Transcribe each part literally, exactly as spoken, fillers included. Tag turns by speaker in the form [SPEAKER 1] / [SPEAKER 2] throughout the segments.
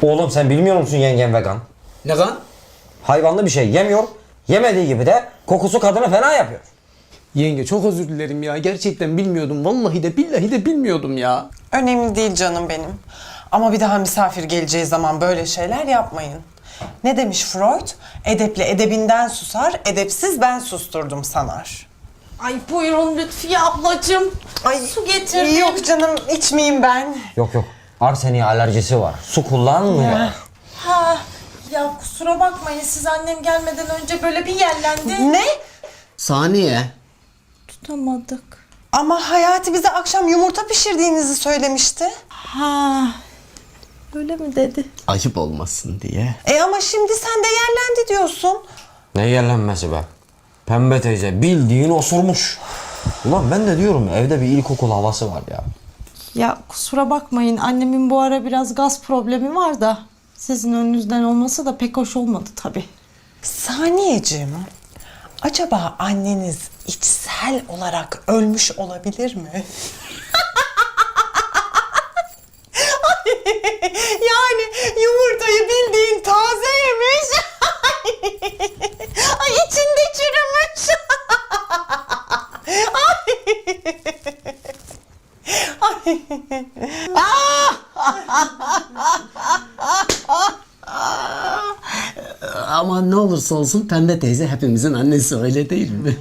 [SPEAKER 1] Oğlum sen bilmiyor musun yengen vegan?
[SPEAKER 2] Ne kan?
[SPEAKER 1] Hayvanlı bir şey yemiyor. Yemediği gibi de kokusu kadını fena yapıyor.
[SPEAKER 2] Yenge çok özür dilerim ya. Gerçekten bilmiyordum. Vallahi de billahi de bilmiyordum ya.
[SPEAKER 3] Önemli değil canım benim. Ama bir daha misafir geleceği zaman böyle şeyler yapmayın. Ne demiş Freud? Edepli edebinden susar, edepsiz ben susturdum sanar.
[SPEAKER 4] Ay buyurun Lütfiye ablacığım.
[SPEAKER 3] Ay
[SPEAKER 4] su getirdim.
[SPEAKER 3] Yok canım içmeyeyim ben.
[SPEAKER 1] Yok yok. Arseniye alerjisi var. Su kullanmıyor.
[SPEAKER 4] Ha, ya kusura bakmayın siz annem gelmeden önce böyle bir yerlendi.
[SPEAKER 3] Ne?
[SPEAKER 2] Saniye.
[SPEAKER 4] Tutamadık.
[SPEAKER 3] Ama Hayati bize akşam yumurta pişirdiğinizi söylemişti.
[SPEAKER 4] Ha, öyle mi dedi?
[SPEAKER 2] Ayıp olmasın diye.
[SPEAKER 3] E ama şimdi sen de yerlendi diyorsun.
[SPEAKER 1] Ne yerlenmesi be? Pembe teyze bildiğin osurmuş. Ulan ben de diyorum evde bir ilkokul havası var ya.
[SPEAKER 4] Ya kusura bakmayın annemin bu ara biraz gaz problemi var da sizin önünüzden olması da pek hoş olmadı tabii.
[SPEAKER 3] Saniyeciğim, acaba anneniz içsel olarak ölmüş olabilir mi? Ay, yani yumurtayı bildiğin taze yemiş. Ay içinde çürümüş. Ay.
[SPEAKER 2] Ama ne olursa olsun Pembe teyze hepimizin annesi, öyle değil mi?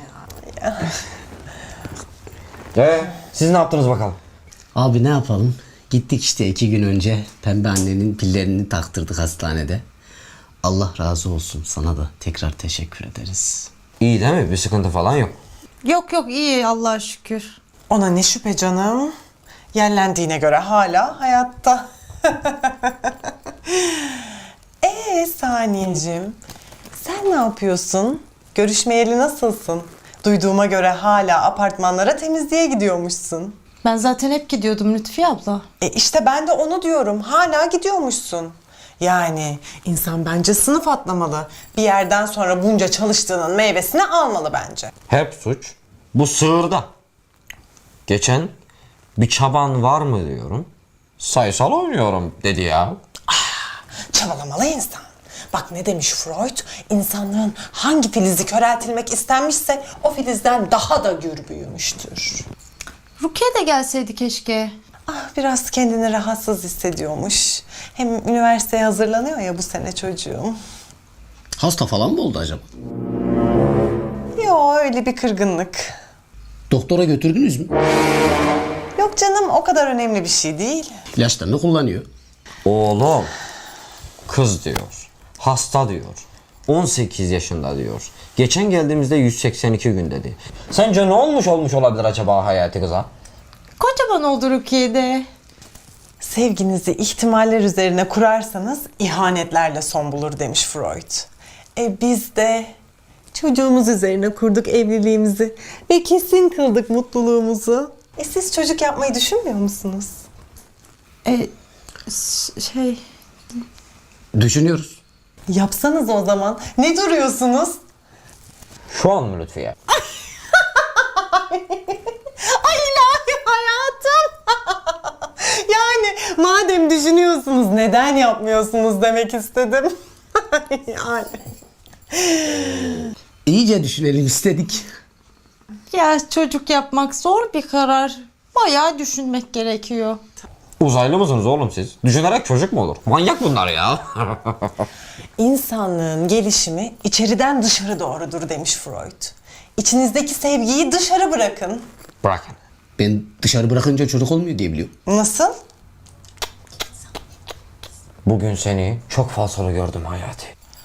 [SPEAKER 1] Ee, siz ne yaptınız bakalım?
[SPEAKER 2] Abi ne yapalım? Gittik işte iki gün önce Pembe annenin pillerini taktırdık hastanede. Allah razı olsun, sana da tekrar teşekkür ederiz.
[SPEAKER 1] İyi değil mi? Bir sıkıntı falan yok.
[SPEAKER 4] Yok yok iyi Allah'a şükür.
[SPEAKER 3] Ona ne şüphe canım. Yerlendiğine göre hala hayatta. Ee Saniyeciğim, sen ne yapıyorsun? Görüşmeyeli nasılsın? Duyduğuma göre hala apartmanlara temizliğe gidiyormuşsun.
[SPEAKER 4] Ben zaten hep gidiyordum Lütfiye abla.
[SPEAKER 3] E işte ben de onu diyorum. Hala gidiyormuşsun. Yani insan bence sınıf atlamalı. Bir yerden sonra bunca çalıştığının meyvesini almalı bence.
[SPEAKER 1] Hep suç bu sığırda. Geçen bir çaban var mı diyorum. Sayısal oynuyorum dedi ya.
[SPEAKER 3] Çabalamalı insan. Bak ne demiş Freud? İnsanlığın hangi filizi köreltilmek istenmişse o filizden daha da gür büyümüştür.
[SPEAKER 4] Rukiye de gelseydi keşke.
[SPEAKER 3] Ah biraz kendini rahatsız hissediyormuş. Hem üniversiteye hazırlanıyor ya bu sene çocuğum.
[SPEAKER 2] Hasta falan mı oldu acaba?
[SPEAKER 3] Yo öyle bir kırgınlık.
[SPEAKER 2] Doktora götürdünüz mü?
[SPEAKER 3] Yok canım o kadar önemli bir şey değil.
[SPEAKER 2] İlaçlarını kullanıyor.
[SPEAKER 1] Oğlum kız diyor. Hasta diyor. on sekiz yaşında diyor. Geçen geldiğimizde yüz seksen iki gün dedi. Sence ne olmuş olmuş olabilir acaba Hayati kıza?
[SPEAKER 4] Kocaman oldu Rukiye'de.
[SPEAKER 3] Sevginizi ihtimaller üzerine kurarsanız ihanetlerle son bulur demiş Freud. E biz de çocuğumuz üzerine kurduk evliliğimizi ve kesin kıldık mutluluğumuzu. E siz çocuk yapmayı düşünmüyor musunuz?
[SPEAKER 4] E, ş- şey...
[SPEAKER 2] Düşünüyoruz.
[SPEAKER 3] Yapsanız o zaman. Ne duruyorsunuz?
[SPEAKER 1] Şu an mı Lütfiye?
[SPEAKER 3] Ay ilahi hayatım. Yani madem düşünüyorsunuz neden yapmıyorsunuz demek istedim. Yani.
[SPEAKER 2] İyice düşünelim istedik.
[SPEAKER 4] Ya çocuk yapmak zor bir karar. Bayağı düşünmek gerekiyor.
[SPEAKER 1] Uzaylı mısınız oğlum siz? Düşünerek çocuk mu olur? Manyak bunlar ya.
[SPEAKER 3] İnsanlığın gelişimi içeriden dışarı doğrudur demiş Freud. İçinizdeki sevgiyi dışarı bırakın.
[SPEAKER 1] Bırakın.
[SPEAKER 2] Ben dışarı bırakınca çocuk olmuyor diye biliyorum.
[SPEAKER 3] Nasıl?
[SPEAKER 1] Bugün seni çok fazla gördüm Hayati.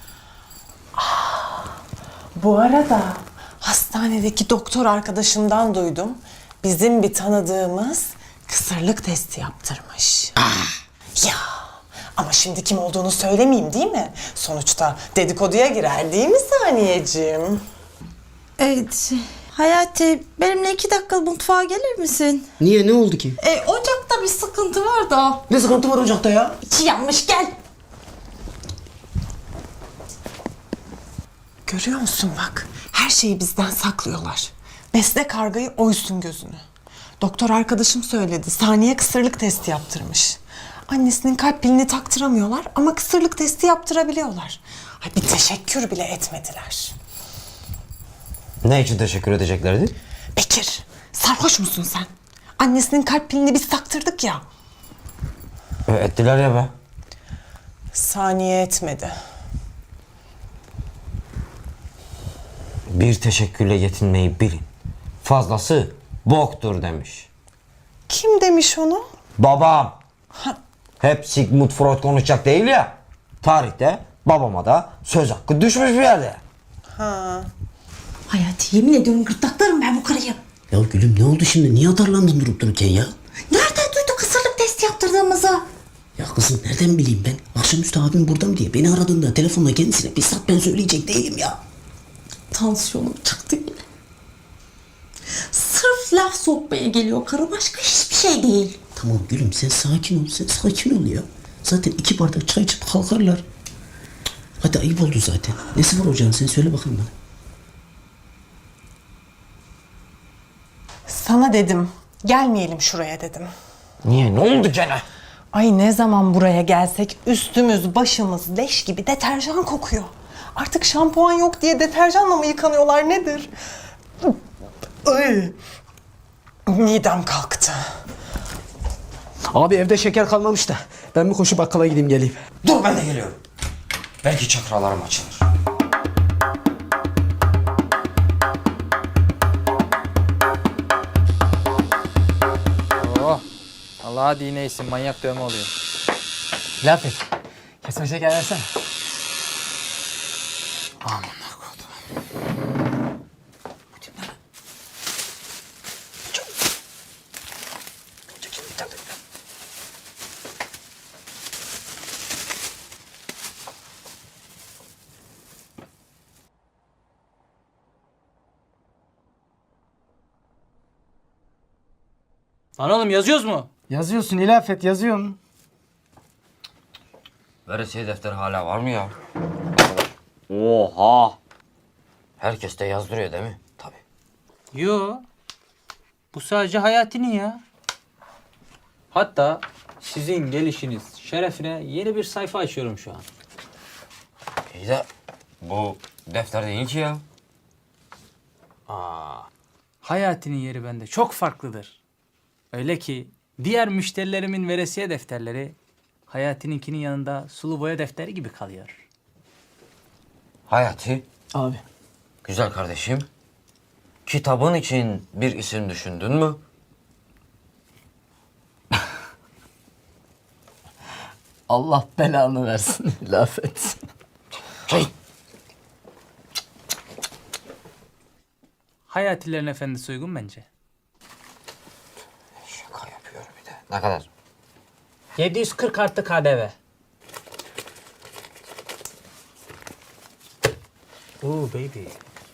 [SPEAKER 3] Bu arada hastanedeki doktor arkadaşımdan duydum. Bizim bir tanıdığımız kısırlık testi yaptırmış. Ya ama şimdi kim olduğunu söylemeyeyim değil mi? Sonuçta dedikoduya girer değil mi Saniyeciğim?
[SPEAKER 4] Evet. Hayati benimle iki dakika mutfağa gelir misin?
[SPEAKER 2] Niye, ne oldu ki?
[SPEAKER 4] E, ocakta bir sıkıntı var da.
[SPEAKER 2] Ne sıkıntı var ocakta ya?
[SPEAKER 4] İçi yanmış gel.
[SPEAKER 3] Görüyor musun bak, her şeyi bizden saklıyorlar. Besle kargayı oysun gözünü. Doktor arkadaşım söyledi, Saniye kısırlık testi yaptırmış. Annesinin kalp pilini taktıramıyorlar ama kısırlık testi yaptırabiliyorlar. Ay bir teşekkür bile etmediler.
[SPEAKER 1] Ne için teşekkür edeceklerdi?
[SPEAKER 3] Bekir, sarhoş musun sen? Annesinin kalp pilini biz taktırdık ya.
[SPEAKER 1] E, ettiler ya be.
[SPEAKER 3] Saniye etmedi.
[SPEAKER 1] Bir teşekkürle yetinmeyi bilin. Fazlası boktur demiş.
[SPEAKER 3] Kim demiş onu?
[SPEAKER 1] Babam.
[SPEAKER 3] Ha,
[SPEAKER 1] Hep Sigmund Freud konuşacak değil ya. Tarihte babama da söz hakkı düşmüş bir yerde.
[SPEAKER 3] ha.
[SPEAKER 4] Hayati yemin ediyorum gırtlaklarım ben bu karıyı.
[SPEAKER 2] Ya gülüm ne oldu şimdi? Niye atarlandın durup dururken ya?
[SPEAKER 4] Nereden duydu kısırlık testi yaptırdığımızı?
[SPEAKER 2] Ya kızım nereden bileyim ben? Akşamüstü abim burada mı diye beni aradığında telefonla kendisine bizzat ben söyleyecek değilim ya.
[SPEAKER 4] Tansiyonum çıktı yine. Sırf laf sokmaya geliyor karı, başka hiçbir şey değil.
[SPEAKER 2] Tamam gülüm sen sakin ol, sen sakin ol ya. Zaten iki bardak çay içip kalkarlar. Hadi ayıp oldu zaten. Nesi var ocağın sen söyle bakayım bana.
[SPEAKER 3] Sana dedim, gelmeyelim şuraya dedim.
[SPEAKER 1] Niye? Ne oldu gene?
[SPEAKER 3] Ay ne zaman buraya gelsek üstümüz başımız leş gibi deterjan kokuyor. Artık şampuan yok diye deterjanla mı yıkanıyorlar nedir? Ay, midem kalktı.
[SPEAKER 2] Abi evde şeker kalmamış da ben bir koşu bakkala gideyim geleyim.
[SPEAKER 1] Dur ben de geliyorum. Belki çakralarım açılır.
[SPEAKER 5] Oh. Allah'a dineysin, manyak dövme oluyor.
[SPEAKER 6] Laf et. Kesme şeker versene.
[SPEAKER 5] Lan oğlum yazıyoruz mu?
[SPEAKER 6] Yazıyorsun İlafet yazıyorsun.
[SPEAKER 1] Veresiye defteri hala var mı ya? Oha! Herkes de yazdırıyor değil mi? Tabii.
[SPEAKER 5] Yo. Bu sadece Hayati'nin ya. Hatta sizin gelişiniz şerefine yeni bir sayfa açıyorum şu an.
[SPEAKER 1] İyi de bu defter değil ki ya.
[SPEAKER 5] Hayati'nin yeri bende çok farklıdır. Öyle ki diğer müşterilerimin veresiye defterleri Hayati'ninkinin yanında sulu boya defteri gibi kalıyor.
[SPEAKER 1] Hayati,
[SPEAKER 6] Abi.
[SPEAKER 1] güzel kardeşim. Kitabın için bir isim düşündün mü?
[SPEAKER 6] Allah belanı versin İlafet.
[SPEAKER 1] Şey,
[SPEAKER 5] Hayatilerin efendisi uygun bence.
[SPEAKER 1] şaka yapıyor bir de. Ne kadar?
[SPEAKER 5] yedi yüz kırk artı K D V. Oo baby.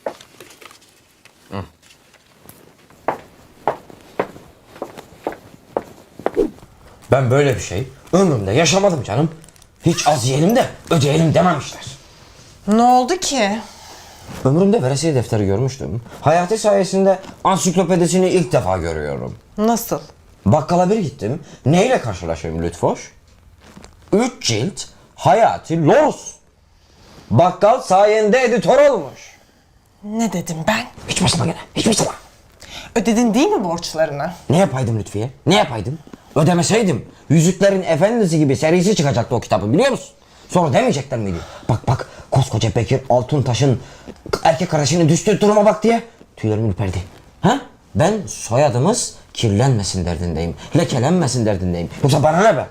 [SPEAKER 1] Ben böyle bir şey ömrümde yaşamadım canım. Hiç az yiyelim de ödeyelim dememişler.
[SPEAKER 3] Ne oldu ki?
[SPEAKER 1] Ömrümde veresiye defteri görmüştüm. Hayati sayesinde ansiklopedisini ilk defa görüyorum.
[SPEAKER 3] Nasıl?
[SPEAKER 1] Bakkala bir gittim. Neyle karşılaşıyorum Lütfoş? Üç cilt Hayati Los. Bakkal sayende editör olmuş.
[SPEAKER 3] Ne dedim ben?
[SPEAKER 1] Hiç başıma gene. Hiç başıma.
[SPEAKER 3] Ödedin değil mi borçlarını?
[SPEAKER 1] Ne yapaydım Lütfiye? Ne yapaydım? Ödemeseydim Yüzüklerin Efendisi gibi serisi çıkacaktı o kitabın biliyor musun? Sonra demeyecekler miydi? Bak bak koskoca Bekir Altuntaş'ın erkek kardeşinin düştüğü duruma bak diye tüylerim ürperdi. Ha? Ben soyadımız kirlenmesin derdindeyim. Lekelenmesin derdindeyim. Yoksa bana ne be?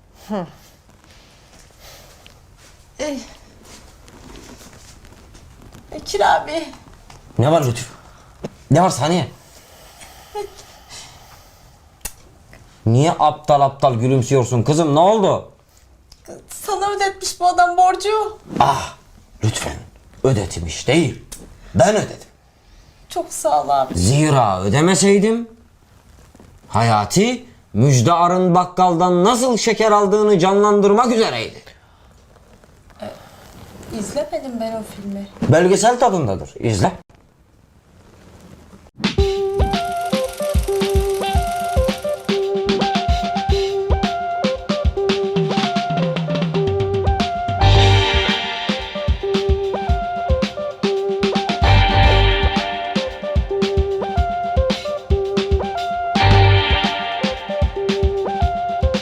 [SPEAKER 4] Bekir abi.
[SPEAKER 1] Ne var Lütfü? Ne var Saniye? Niye aptal aptal gülümsüyorsun kızım? Ne oldu?
[SPEAKER 4] Sana ödetmiş bu adam borcu.
[SPEAKER 1] Ah lütfen ödetmiş değil. Ben ödedim.
[SPEAKER 4] Çok sağ ol abi.
[SPEAKER 1] Zira ödemeseydim Hayati Müjde Arın bakkaldan nasıl şeker aldığını canlandırmak üzereydi.
[SPEAKER 4] İzlemedim ben o filmi.
[SPEAKER 1] Belgesel tadındadır. İzle.